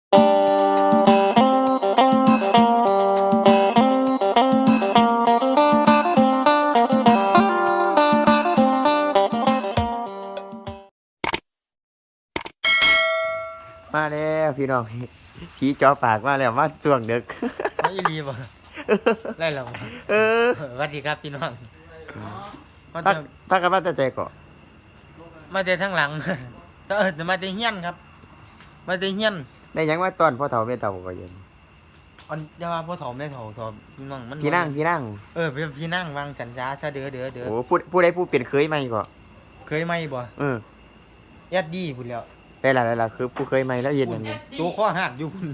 มาแล้วพี่น้องผีจอปากมาแล้วมาส่วงดึกไม่รีบอ่ะไล่เราเออสวัสดีครับพี่น้องพักกันมาแต่ใจก่อนมาแต่ทั้งหลังแต่มาแต่เฮี้ยนครับ มาแต่เฮี้ยนได้หยังมาตอนพ่อเฒ่าแม่เฒ่าก็ยังอันจะว่าพ่อถอมได้ถอพี่น้องมันพี่นั่งพี่นั่งวางสัญญาซะเด้อโอ้ผู้ใดผู้เปลี่ยนเคยไหมก่อนเคยไหมบ่เออยัดดีพุ่นแล้วได้ละคือผู้เคยไหมแล้วเย็นอันนี้ตัวข้อหักอยู่พุ่น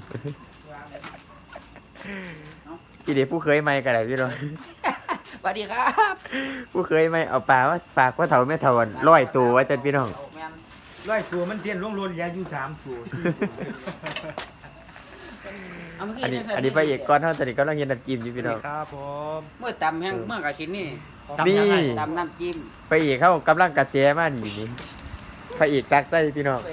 พี่เด็กผู้เคยไหมก็ได้พี่น้องสวัสดีครับผู้เคยไหมเอาปลาว่าฝากพ่อเฒ่าแม่เฒ่าร้อยตัวไว้จันพี่น้องแมนร้อยตัวมันเทียนล่วงโรนยาอยู่3ตัวเอาเมื่อกี้อันนี้พระเอกก้อนเท่าตอนนี้ก็ต้องเย็นน้ำจิ้มอยู่พี่น้องครับผมเมื่อตำแห้งเมื่อกระชินนี่นี่ตำน้ำจิ้มพระเอกเขากำลังกระแจมานี่นี่พระเอกซักไส้พี่น้อง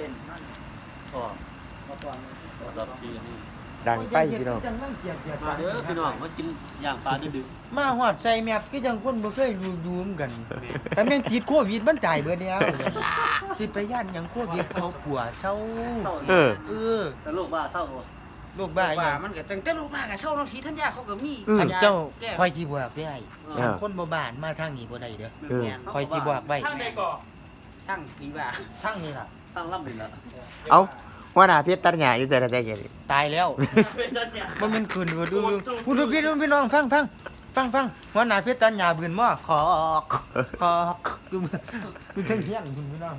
ดังไปพี่น้องมาเด้อพี่น้องมากินย่างปลาดึกมาหอดใส่แมสก็ยังคนบ่เคยดูเหมือนกัน แต่แม่งติดโควิดมันจ่ายเบิดแล้วสิไปย่านหยังโควิดเขาปัวเศร้าเออเออแต่ลูกบ้าเท่าลูกบ้าอีหว่ายังมันก็ตั้งแต่ลูกมากกับเช่าน้องสีทัญญาเขาก็มีอืมอันเจ้าแก้คอยสิบอกได้เออคนบ่บ้านมาทางนี้บ่ได้เด้อเออคอยสิบอกไว้ทั้งปีว่าทางนี้ล่ะตั้งล่ำดินละเอาว่าหน้าเพชรตัดหญ้าอยู่ใจใจแก่ดิตายแล้วมันเป็นคืนดูคุณดูพี่น้องฟังหัวหน้าเพชรตัญญาบืนหม้อขอกดูเท่งเที่ยงคุณพี่น้อง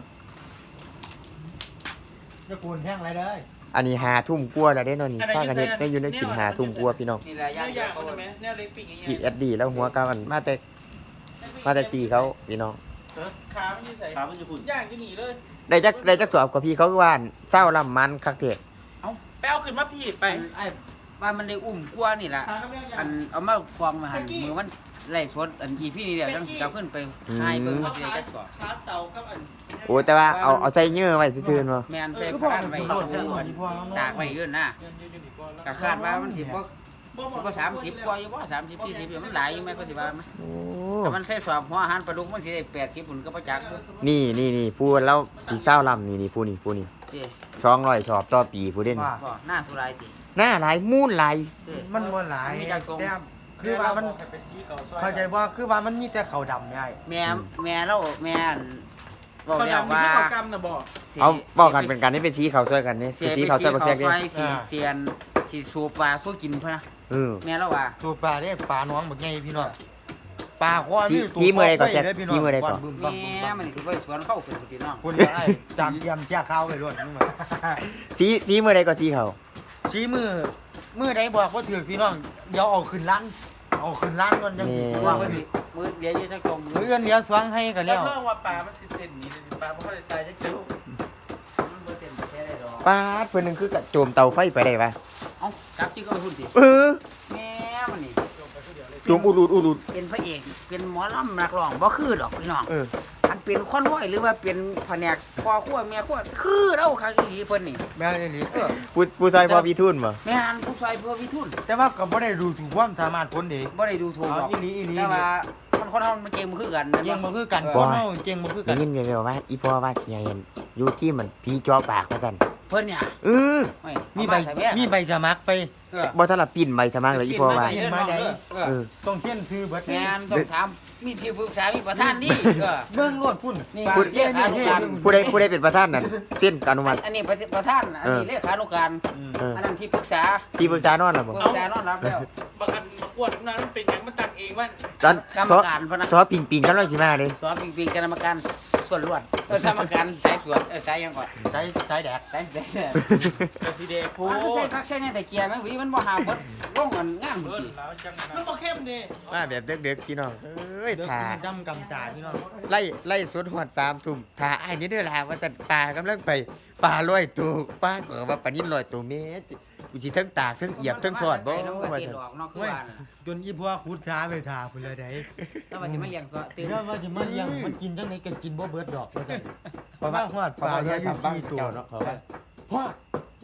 จะกูนแห้งอะไรเลยอันนี้5 ทุ่มกว่าแล้วเด้เนาะนี่พากันเฮ็ดได้อยู่ในกิน5 ทุ่มกว่าพี่น้องนี่แหละย่างอยากเขาคนไหมแนวเล็กปิ้งอย่างเงี้พี่ยแอดดีแล้วหัวกามันมาแต่สีเขาพี่น้องขามันอยู่ใส่ขามันอยู่ฝุ่นย่างอยู่หนีเลยได้จักสอบกับพี่เขาว่าเศร้าลำมันคักเถิดไปเอาขึ้นมาพี่ไปไอ้ว่ามันได้อุ้มกลัวนี่แหละอันเอามาความมาหันมือมันไล่สดอันอีพี่นี่เดี๋ยวต้องกลับขึ้นไปให้เบิ่งว่าสิได้จักสอบขาเต่ากับอันโอ้แต่ว่าเอาใส่เยื่อไว้ซื่อๆบ่แมนใส่พานไว้ตากไว้ยื่นนะก็คาดว่ามันสิบ่30กว่าอยู่บ่30 40อยู่มันหลายอยู่แม่ก็สิว่าไหมโอ้แต่มันใส่สอบหัวอาหารปลาดุกมันสิได้80พุ่นก็บ่จักนี่พูดแล้วสีเศร้าลำนี่ผู้นี่เด้ 200สอบต่อปีผู้เด่นว่าบ่หน้าสุรายติหน้าหลายมูนหลายเด้มันบ่หลายมีจักทรงแต่คือว่ามันเข้าใจว่าคือว่ามันมีแต่เขาดำได้แม่เราแม่นบอกเขาแล้วดำมีว่าที่เขากำนะบอกสิเอาบอกกันเป็นการนี่เป็นสีเขาช่วยกันนี่เสียสีไปเขาสีช่วยบ่เขาเสียซกันอยสิเสียนสิสูบปลาสู้กินพะนะเออแม่เราว่าตัวปลาเนี่ยปลาน้องบักใหญ่พี่น้องปลาคว้าชี้มือใดก่อนแจ็คพี่น้องชี้มือใดก่อนบึ้มแม่มันสิไปสวนเข้าขึ้นพี่น้องคุณไอ้จามเยี่ยมแจ้ข้าวไปด้วยนี่มาสีมือใดก็สีเขาชี้มือใดบอกว่าถือพี่น้องเดี๋ยวเอาขึ้นร้านก่อนจังสิเพราะว่ามือเดียวอยู่จักจมมือเอื้อนเลี้ยวสวงให้กันแล้แล้ว วเรื่องว่าปลามันสิเต้นนี้ปลาเพราะอะไรตายจะเจอมันบ่เต็มแท้ได้ดอกปาดเพิ่นนึงคือกระโจมเตาไฟไปได้ปะเอ้าจับจิกก็ไปพุ่นติเออแม่มันนี่โจมอุดเป็นพระเอกเป็นหมอลำนักร้องบ่คือดอกพี่น้องเอออันเป็นคอนวอยหรือว่าเป็นแผนกพ่อครัวแม่ครัวคือเราคักอีหลีเพิ่นนี่แม่นี่หลีเออผู้ชายพอพี่ทุนบ่แม่นผู้ชายเพื่อวิทุนแต่ว่าก็บ่ได้ดูถูกความสามารถคนเด็กบ่ได้ดูถูกหรอกอีหลีแต่ว่ามันคนเฮามันเก่งบ่คือกันเก่งบ่คือกันคนเฮาเก่งบ่คือกัได้นยินแว่วๆว่าอีพ่อว่าสิให้เห็นอยู่ที่มันพี่จอปากว่าซั่นเพิ่นเนี่ยเออไม่มีใบสมัครไปเออบ่ทันละปิ้นใบสมัครเลยอีพ่อว่าเพิ่นมาได้เอเอออต้องเขียนชื่อเบิดแม่นต้องถามมีที่ปรึกษามีประธานนี่เออเบิ่งโลดพุ่นนี่พูดเลขานุการผู้ใดเป็นประธานนั่นเส้นอนุมัติอันนี้ประธานอันนี้เลขานุการเอออันนั้นที่ปรึกษาที่ปรึกษานอนล่ะบ่ปรึกษานอนรับแล้วบางอันประกวดนั้นมันเป็นอย่างมันตักเองว่าตอนกรรมซอการพะนะซอปิงกำลังสิมาเด้สอบปิงกรรมการส่วนรวดกรรมการสายสวนสายยังก่อนใช้แดกสายแดดกระสีเดโพมันใส่พักใส่เนี่ยแต่เกียร์แม่งวีมันบ่หาเบิดร่องอันงานเอบ่อติแล้วจังมันบอกเข้มดิมาแบบเด็กๆพี่น้องเอ้ยเดี๋ยวถ่าดำกำตาพี่น้องไล่สวนหอด3 ทุ่มถ่าอ้ายนี่เด้อล่ะว่าซั่นปลากำลังไปปลา100ตัวปลาก็ว่าปลานิล100ตัวแม่กูสิทั้งตากทั้งเอียบทั้งทอดบ่น้ำกระว่าติซั่นดออกนอกคือบ้านจนอีพวกขุดช้าไปท่าพุ่นเลยได้แล้วมันสิมาเลี้ยงซอตื่นเดี๋ยวว่าสิมาเลี้ยงมันกินจังได๋ก็กินบ่เบิดดอกว่าซั่นเพราะว่าฮอดปลาเลี้ยงอยู่4ตัวเนาะเขาว่าพ่อไอ้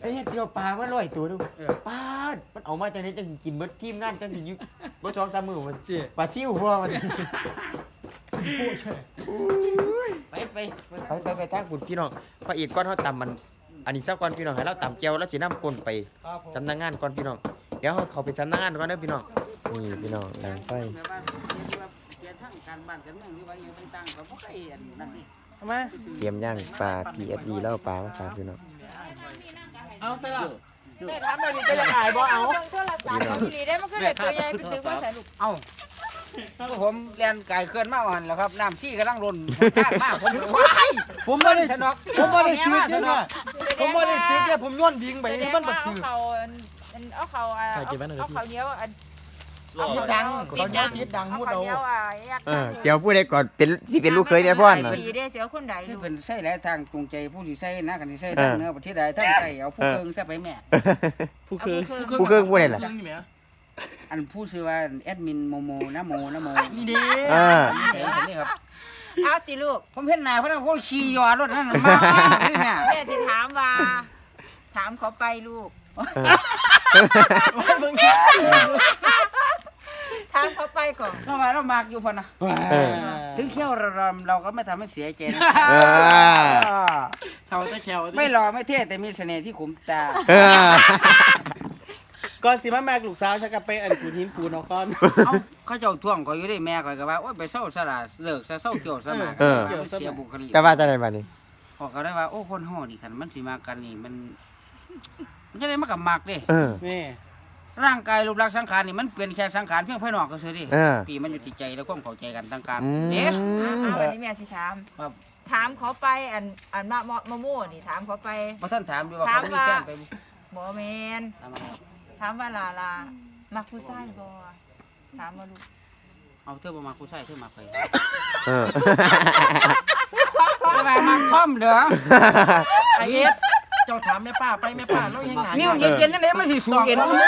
เฮ็ดเจียวปลามา100ตัวดูปาดมันเอามาจังได๋จังสิกินเบิดทีมงานจังสิอยู่บ่2-3มื้อมันปลาซิวพอมัน ไปทางคุณพี่น้องพระเอกก้อนเฮาตำมันอันนี้ซะก่อนพี่น้องให้เราตำแก้วแล้วสินำก้นไปสำนักงานก่อนพี่น้องเดี๋ยวเขาไปสำนักงานก่อนเด้อพี่น้องนี่พี่น้องแรงไฟเกี่ยวทั้งการบ้านกันเมืองหรือว่าอย่างต่างๆก็บ่เคยอันนั้นนี่ทำไมเตรียมย่างปลา PSD แล้วปลามาฝากพี่น้องเอาใส่ละแม่ทำแบบนี้จะยังไงบ่เอาเบิ่งโทรศัพท์เอาอีหลีได้มันก็ได้ตัวใหญ่ไปตึกว่าใส่ลูกเอ้าผมเรียนไก่เคลื่อนมาอ่อนแล้วครับน้ำซี่กำลังล้นข้างมากผมว้ายผมบ่ได้สนอกผมบ่ได้ตึกเด้อเนี่ยผมบ่ได้ตึกเด้อผมย้อนวิ่งไปนี่มันบ่เอาตึกเขาเอาเขาเอาเนี้ยวอันเอาดังเขาย้อนติดดังเอาพูดเขาเอาเนี้ยวยักษ์เจียวผู้ใดก่อนเป็นสิเป็นลูกเคยได้พ่อนน่ะปีได้เสียวคนใดคือลูกเป็นใส่หลายทางจูงใจผู้สิใส่นะกันสิใส่ทางเหนือประเทศใดทางใต้เอาผู้เกิงซะไปแม่ผู้คือผู้เครื่องผู้ใดล่ะอันผู้ชื่อว่าแอดมินโมโมนะโมนี่เด้ ใส่นี่ครับเอาสิลูกผมเห็นหน้าเพราะว่าเขาขี่ยอรถนั่นมานี่แม่แม่จะถามว่าถามเขาไปลูกถามเขาไปก่อนเรามาเรามากอยู่พอนะถึงเขี้ยวเราก็ไม่ทำให้เสียใจนะเท่าตะแควไม่หล่อไม่เท่แต่มีเสน่ห์ที่ขุมตาก่อนสิมาแม่ลูกสาวฉันก็ไปอันกูหินปูนเอาก่อนเอ้าเขาเจ้าท่วงก็อยู่ได้แม่ก็ว่าโอ๊ยไปเศร้าสละเลิกซะเศร้าเกี่ยวซะมาเสียบุคลิกจะว่าจังได๋บัดนี้พอเขาได้ว่าโอ้คนห่อนี่คันมันสิมากันนี่มันจะได้มากับมักเด้นี่ร่างกายรูปลักษณ์สังขารนี่มันเป็นแค่สังขารเพียงภายนอกก็เฉยดิปีมันอยู่ที่ใจแล้วความเข้าใจกันทางการเอ๊ะวันนี้แม่สิถามถามเขาไปอันมะม่วนี่ถามเขาไปพอท่านถามดูว่าเขามีแฟนไปบ่แมนถามว่าลามักผู้ชายบ่ถามมาลูกเอาเธอบ่มาผู้ชายเธอมาไปเออจะมามาท่อมเด้อไอ้เอ็ดเจ้าถามแม่ป้าไปแม่ป้าเรายังไงนิ้วเย็นๆนั่นเองมันสิสูงเย็นมัน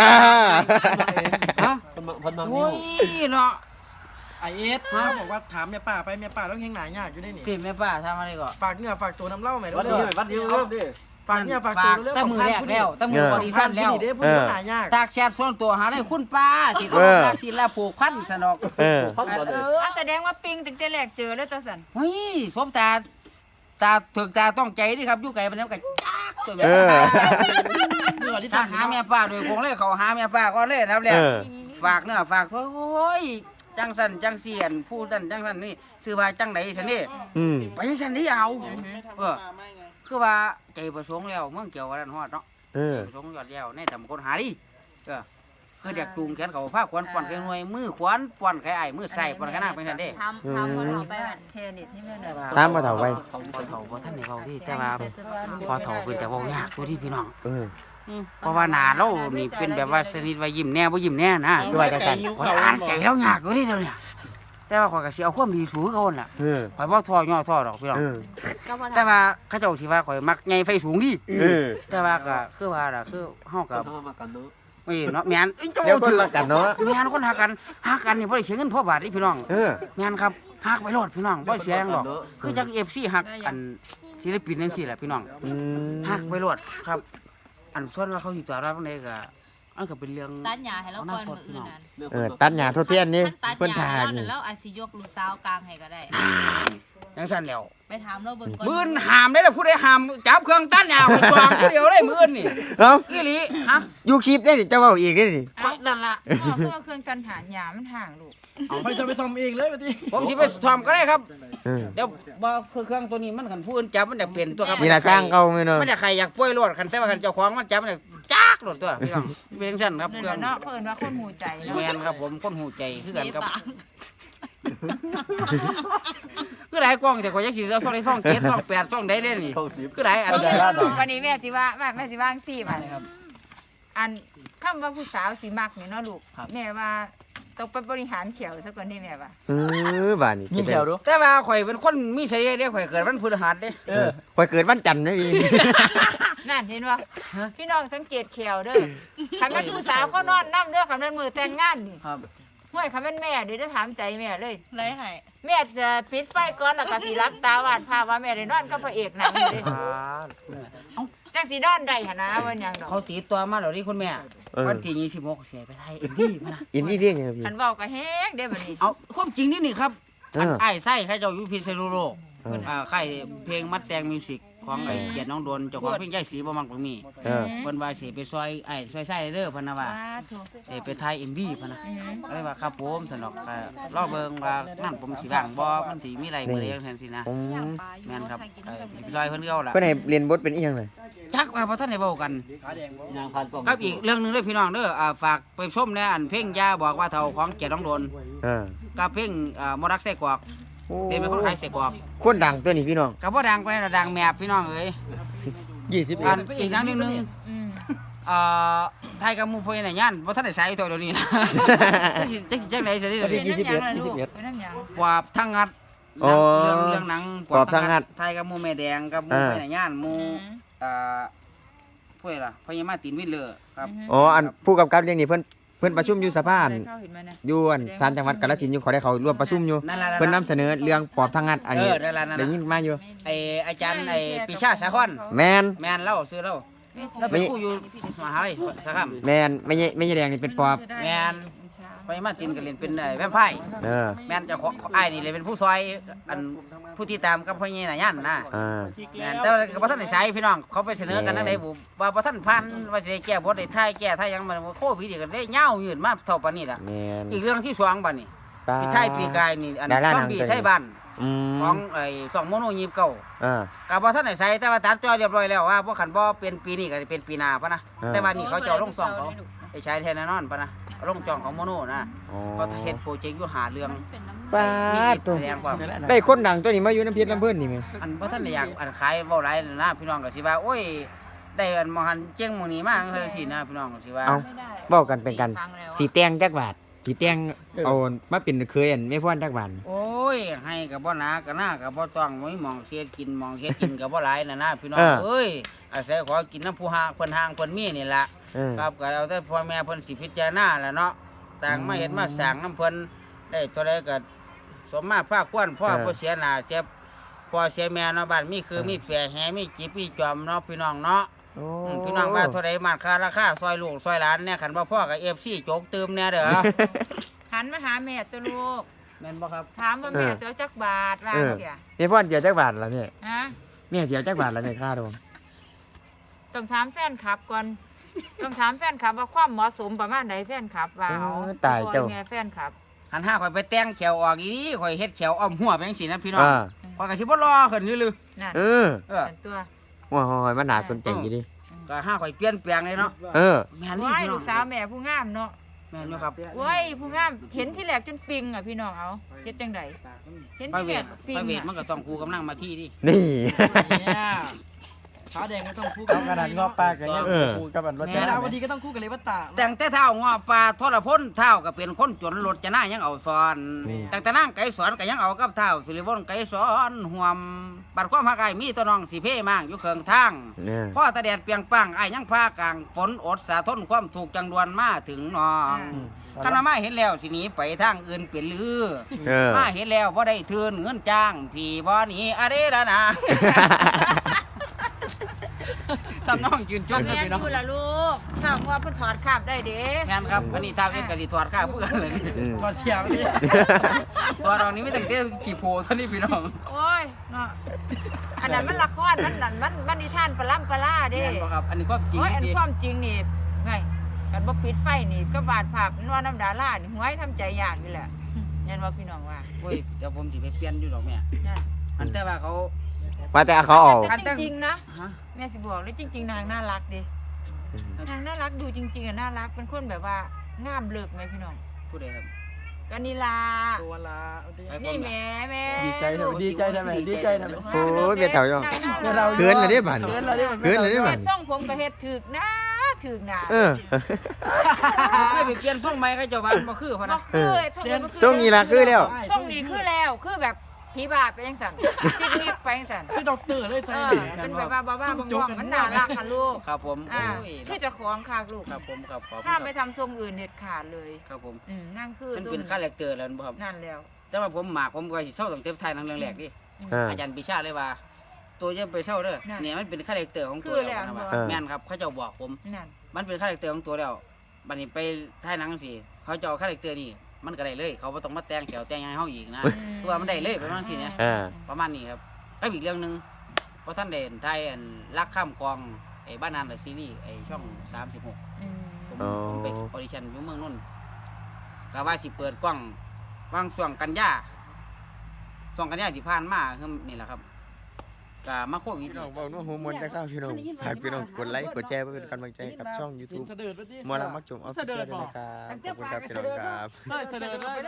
ฮะโอ้ยเนาะไอ้เอ็ดเขาบอกว่าถามแม่ป้าไปแม่ป้าเรายังหนายากอยู่ได้นี่พี่แม่ป้าทำอะไรก่อนฝากเนื้อฝากตัวน้ำเล่าไหมวัดเด้นี้อวัดนี้เริ่มดิฝากเนื้อฝากตัวเรื่องตั้งมือแรกแล้วตั้งมือบอดี้สั้นแล้วเด้ผู้หนายากจากแชทส่วนตัวหาได้คุณป้าสิเขารักทีละผูกพันสนอกพันก่อนเลยแสดงว่าปิงตั้งแต่แรกเจอแล้วตาสันเฮ้ยสมตาถึกตาต้องใจดิครับอยู่ไกลมันแล้วก็จักตัวแบบเนื้อที่ถ้าทำหาแม่ป้าโดยคงเลยเขาหาแม่ป้าก่อนเลยนะแล้วฝากเนื้อฝากตัวโอ้ยจังสันจังเสียนผู้ดันจังสันนี่ซื้อว่าจังไหนสันนี่ไปจังสันนี่เอาคือว่าใจประสงค์แล้วเมืองเกี่ยวกันฮอดเนาะใจประสงค์ยอดแล้วในแต่คนหาดิคือเด็กจูงแขนเขาผ้าขวัญป่อนแขนหน่วยมือขวัญป่อนแขนไอ้มือใส่ป่อนแขนหน้าเป็นสันเด้ทำคนออกไปแบบเทนิสนี่แม่เนี่ยตามมาเฒ่าไว้พอเฒ่าพอท่านนี่เขาดิแต่ว่าพอเฒ่าเป็นแต่เว่ายากตัวที่พี่น้องเพราะว่าหน้าเรานี่เป็นแบบว่าสนิทว่ายิ้มแน่บ่ยิ้มแน่นะด้วยจังซั่นข่อยอ่านใจเรายากอยู่นี่เดี๋ยวนี้แต่ว่าข่อยก็สิเอาความดีสู้เขาน่ะข่อยบ่ท้อย่อท้อดอกพี่น้องแต่ว่าเขาเจ้าสิว่าข่อยมักใหญ่ไฟสูงดิแต่ว่าก็คือว่าล่ะคือเฮาก็มากันเนาะเอ้ยเนาะแม่นเอ้ยเจ้าเดี๋ยวถืเพิ่นอรักกันเนาะแม่นคนหักกันนี่บ่ได้เสียเงินพ่อบาทนี่พี่น้องเออแม่นครับหักไปโลดพี่น้องบ่เสียหยังดอกคือจัง FC หักอันศิลปินจังซี่แหละพี่น้องหักไปโลดครับ อันส่วนว่าเขาสิตอบรับจังไดก็อันก็เป็นเรื่องตัดหญ้าให้เราก่อนมื้ออื่นนั่นตัดหญ้าทดเทียนนี่ตัดเพิ่นหญ้าทาให้เรานี่นั่นแล้วอาจสิยกลูกสาวกลางให้ก็ได้จังซั่นแล้วไปถามเราเบิ่งก่อนมื้อนห้ามได้ล่ะผู้ใดห้ามจับเครื่องตัดหญ้าไว้จองผู้เดียวได้มื้อนี่เอ้าอีหลีฮะอยู่คลิปได้นี่จะเว้าอีกได้นี่ข่อยนั่นล่ะเพื่อเครื่องกันหาหยามันห่างลูกไปจะไปทำเองเลยมาดิผมสิไปซ่อมก็ได้ครับเดี๋ยวบ่คือเครื่องตัวนี้มันคันผู้อื่นจับมันจะเป็นตัวครับนี่ล่ะสร้างเก่าแม่เนาะมันจะใครอยากป่วยรถคันแต่ว่าคันเจ้าของมันจับมันจะจักรถตัวพี่น้องเป็นจังซั่นครับนั่นเครื่แหองละเนาะเพิ่นว่าคนหูใจเนาะแม่นครับผมคนหูใจคือกันครับปากคือหลายกล้องแต่ข่อยจักสิเอาซ่องได้ซ่อง7ซ่อง8ซ่องใดเด้นี่เข้าสิบคือหลายอันวันนี้แม่สิว่าแม่สิว่างซี่มาอันคำว่าผู้สาวสิมักนี่เนาะลูกแม่ว่าต้องไปบริหารเขียวซะก่อนนี่แม่ว่าบ้านนี่ยิงแถวดูแต่ว่าข่อยเป็นคนมีเสน่ห์เด้ข่อยเกิดวันพฤหัสเด้ข่อยเกิดวันจันทร์นะพี่นั่นเห็นว่าพี่น้องสังเกตเขียวเด้อคันแม่นผู้สาวเขานอนนำเด้อคันแม่นมือแต่งงานนี่ครับห้วยคันแม่นแม่เดี๋ยวจะถามใจแม่เลยเลยให้แม่จะปิดไฟก่อนแล้วก็สิรับตาวาดภาพว่าแม่ได้นอนกับพระเอกหนังอยู่เด้จจังสินอนได้หั่นนะว่าหยังดอกเขาตีตัวมาแล้วนี่คุณแม่ วันที่26เสียไปไทยเอ็มวีมานะอินนี่เพียงไงพี่คันเว้าก็แฮงเด้บัดนี้เอาความจริงนี่ครับเออไอ้ไส้ใครเจ้าอยู่พิษณุโลกเออค่ายเพลงมัดแตงมิวสิกของไอ้เกียรติน้องโดนเจ้าของเพลงใหญ่สีบ่มังบ่มีเออเพิ่นว่าสิไปซอยไอ้ซอยไส้เด้อเพิ่นน่ะว่าสาธุสิไปถ่าย MV เพิ่นน่ะก็เลยว่าครับผมสนอกรอเบิ่งว่านั่นผมสิว่างบ่มันสิมีอะไรมื้อใดจังซั่นสินะผมแม่นครับไปซอยเพิ่นเก่าล่ะเพิ่นให้เรียนบทเป็นอีหยังเลยจักว่าบ่ทันได้เว้ากันครับอีกเรื่องหนึงเด้อพี่น้องเด้อฝากไปชมแน่อันเพลงยาบอกว่าเฒ่าของเกียรติน้องโดนเออกับเพลงมรักไส้กรอกเป็นคนขายไส้กรอกคนดังตัวนี้พี่น้องก็บ่ดังปานใดล่ะดังแมบพี่น้องเอ้ย อันอีกอย่างหนึงอืมไทยกับหมู่พ่อใหญ่ย่านบ่ทันได้ใช้ตัวเดี๋ยวนี้นะจังได๋สิเป็นน้ำหยังล่ะลูกเป็นน้ำหยังปราบทั้งงัดอ๋อเรื่องหนังปราบทั้งงัดไทยกับหมู่แม่แดงกับหมู่พ่อใหญ่ย่านหมู่ผู้ใดล่ะพ่อใหญ่มาตินวินเลอร์ครับอ๋ออันผู้กำกับเรื่องนี้เพิ่นประชุมอยู่สภาได้เข้าเห็นมั้ยนะอยู่อันศาลจังหวัดกาฬสินธุ์อยู่เขาได้เขาร่วมประชุมอยู่นั่นล่ะเพิ่นนำเสนอเรื่องปอบทางงัดอันนี้นั่นล่ะนั่นได้ล่ะยินมาอยู่ไอ้อาจารย์ไอ้ปิชาสาคอนแมนแม่นเล่าซื้อเล่าแล้วเป็นผู้อยู่มหาวิทยาลัยสาขาแมนไม่ใช่แดงนี่เป็นปอบแม่นพ่อใหญ่มาตินก็เล่นเป็นแวมไพร์เออแม่นเจะของอ้ายนี่เลยเป็นผู้ซอยอันผู้ที่ตามกับพ่อใหญ่น่ะย่านนะอ่าแม่นแต่ว่าก็บ่ทันได้ใช้พี่น้องเขาไปเสนอกันจังได๋บ่ว่าบ่ทันพันว่าสิได้แก้บ่ได้ทายแก้ทายหยังมันโควิดนี่ก็ได้ยาวยืนมาเท่าปานนี้ล่ะแมนอีกเรื่องที่2บัดนี้พี่ไทยปีกายนี่อันดาราซหนัอง มบี้ตัวนี้ไทยบ้านอืมของไอ้2โมโน29ก็อ่าบ่ทันได้ใช้แต่ว่าตัดจอเรียบร้อยแล้วว่าบ่คันบ่เป็นปีนี้ก็สิเป็นปีหน้าปะนะอ่าแต่ว่านี่เขาเจ้าลงซ่องเขาไปใช้แทนแน่นอนปะนะลงจองของโมโนนะอ๋อเขาเฮ็ดโปรเจกต์อยู่หาเรื่องเป็นน้ำป้ามีดตัวแสดงความได้คนดังตัวนี้มาอยู่น้ำเพชรลำเพิ่นนี่แมั้ยอันบ่ทันได้อยากอันขายเว้าหลายนั่นนะพี่น้องก็สิว่าโอ้ยได้อันมหันเจียงหมู่นี้มาจังซี่นะพี่น้องก็สิว่าเอ้าไม่ได้เว้ากันเป็นกัน 4ครั้งแล้วสีแตงจักบาทสีแตงเอามาเป็นเคยอันไม่พ้นจักบาทโอ้ยให้ก็บ่หนาก็หน้าก็บ่ต้องบ่มีหมองเสียกินหมองเฮ็ดกินก็บ่หลายนะพี่น้องเอ้ยอาศัยขอกินน้ำผู้หางเพิ่นหางเพิ่นมีนี่ล่ะเออครับก็เอาแต่พ่อแม่เพิ่นสิพิจารณาแหละเนาะต่างมาเฮ็ดมาสร้างน้ำเพิ่นได้เท่าใดก็สมมาภาคควรพ่อบ่เสียหน้าเสียพ่อเสียแม่เนาะบ้านมีคือมีแปรแหมีจิบมีจอมเนาะพี่น้องเนาะโอ้พี่น้องว่าเท่าใดมาค่าราคาซอยลูกซอยหลานเนี่ยคันบ่พ่อกับ FC โจกตืมแน่เด้อหันมาหาแม่ตัวลูกแม่นบ่ครับถามว่าแม่สิเอาจักบาทว่าเสียไม่พ้นเจียวจักบาทแล้วเนี่ยฮะแม่เจียวจักบาทแล้วเนี่ยค่าดองต้องถามแฟนคลับก่อนต้องถามแฟนคลับว่าความเหมาะสมประมาณใดแฟนคลับว่าเอาตายเจ้าแม่แฟนคลับหันห้าข่อยไปแต่งแขวออกอีข่อยเฮ็ดแขวอ้อมหัวไปจังซี่นะพี่น้องอ่าข่อยก็สิบ่รอขึ้นอยู่ลือนั่นเออเออเป็นตัวว่าหอยมันน่าสนใจอยู่ดิก็ห้าข่อยเปลี่ยนแปลงเลยเนาะเออแม่นนี่ว้ายพี่น้ลูองกสาวแม่ผู้งามเนาะแม่นอยู่ครับโอ้ยผู้งามเห็นที่แรกจนปิงอ่ะพี่น้องเอาเฮ็ดจังไดเห็นพระที่เวแรทกปิงพระเวทอะมันก็ต้องคู่กำลังมาที่ดินี่เนี่ยขาแดงก็ต้องคู่กัเอาบขนาดงอปลากันยังเออกูกับอันรถแม่ดาวดีก็ต้องคู่กับเลวัตตาแต่งแต่เท้างอปลาทรพลเท้าก็เป็นคนจนรถจะหน้ายังเอาซ้อนนี่แต่นั่งไก่สอนก็ยังเอากับเท้าสิริวงศ์ไก่สอนห่วมบัดความหักไอ้ายมีตัวน้องสิเพ่มางอยู่เคืองทางเนี่ยพ่อตาแดดเปียงปังไอ้ายยังพากลางฝนอดสาทนความถูกจังดวนมาถึงน้องคันว่ามาเห็นแล้วสิหนีไปทางอื่นเป็นลือเออมาเห็นแล้วบ่ได้ทืนเงินจ้างพี่บ่หนีอะเด้ละนะทำน้องยืนจก็นนะแม่นพี่น้องอยู่ล่ะลูกถ้าว่าเพิ่นถอดคราบได้เด้งานครับอันนี้ท้าวเอ็นกับสิถอดข้าวเพื่อนเลยอืมถอดเชียงนี่ตัวเรานี้ไม่ตั้งแต่ขี่โพเท่านี้พี่น้องโอ้ยเนาะอันนั้นมันละครมันนั่นมันนิทานปลาล่ำปลาล่าเด้แม่นบ่ครับอันนี้ก็จริงโอ้ยอันดีความจริงนี่ไงกันบ่ปิดไฟนี่ก็วาดภาพนวน้ำดารานี่หวยทำใจยากนี่แหละยันว่าพี่น้องว่าโอ้ยเดี๋ยวผมสิไปเปลี่ยนอยู่ดอกแม่นั่นอันแต่ว่าเขาว่าแต่เขาเอาแต่จริงๆนะฮะแม่สิบอกเลยจริงๆนางน่ารักเด้นางน่ารักดูจริงๆอ่ะน่ารักเป็นคนแบบว่างามเลิกไหมพี่น้องผู้ใดครับก็นี่ล่ะตัวละเอาดิไอ้ผมนี่น่ะแม่ดีใจทำไมดีใจทำไมดีใจทำไมโอ้ยเบียดแถวย่องเดี๋ยวเราเขินเลยเด้บัดเขินเลยเด้บัดเขินเลยเด้บัเฮ็ดดส่งผมก็เฮ็ดถึกนะถึกนะเออไม่ไปเปลี่ยนทรงใหม่เขาเจะว่าบ่คือพะบ่นะคือส่งนี้บ่คือช่วงนี้ละคือแล้วส่งนี้คือแล้วคือแบบผีบาปไปจังซั่นซิกๆไปจังซั่นคือด็อกเตอร์เลยใส่เออเป็นแบบว่าบ้าๆบองๆมันน่ารักค่ะลูกครับผมอ่าโอ้ยคือเจะของค่ะลูกครับผมครับขอบคุณถ้าคไปรับทำทรงอื่นเด็ดขาดเลยครับผมนั่งคือมันเป็นคาแรคเตอร์แล้วบ่ครับนั่นแล้วแต่ว่าผมหมากผมก็สิเศร้าตั้งแต่ถ่ายหนังเรื่องแรกดิอ่าอาจารย์ปิชาเลยว่าตัวจะไปเศร้าเด้อเนี่ยมันเป็นคาแรคเตอร์ของตัวแล้วนะว่าแม่นครับเขาเจ้าบอกผมนั่นมันเป็นคาแรคเตอร์ของตัวแล้วบัดนี้ไปถ่ายหนังสิเขาเจ้าคาแรคเตอร์นี่มันก็ได้เลย เขาบ่ต้องมาแต่งแถวแต่งหยังให้เฮาอีกนะคือว่ามันได้เลยประมาณสิเนี่ย ประมาณนี้ครับแล้วอีกเรื่องหนึงเพราะท่านเด่นไทยอันรักข้ามคลองไอ้บ้านนานซีรีส์ไอ้ช่อง36ผมไปออดิชั่นอยู่เมืองนนท์ก็ว่าสิเปิดกล้องวางช่วงกันยาที่ผ่านมาคือนี่แหละครับก็มาโควิดพี่น้องเว้านัวหัวมวนจะเข้าพี่น้องฝากพี่น้องกดไลค์กดแชร์เพื่อเป็นกำลังใจกับช่อง YouTube หมอลำมักจมออฟฟิเชียลด้วยนะครับขอบคุณครับพี่น้องครับเสด็จเลย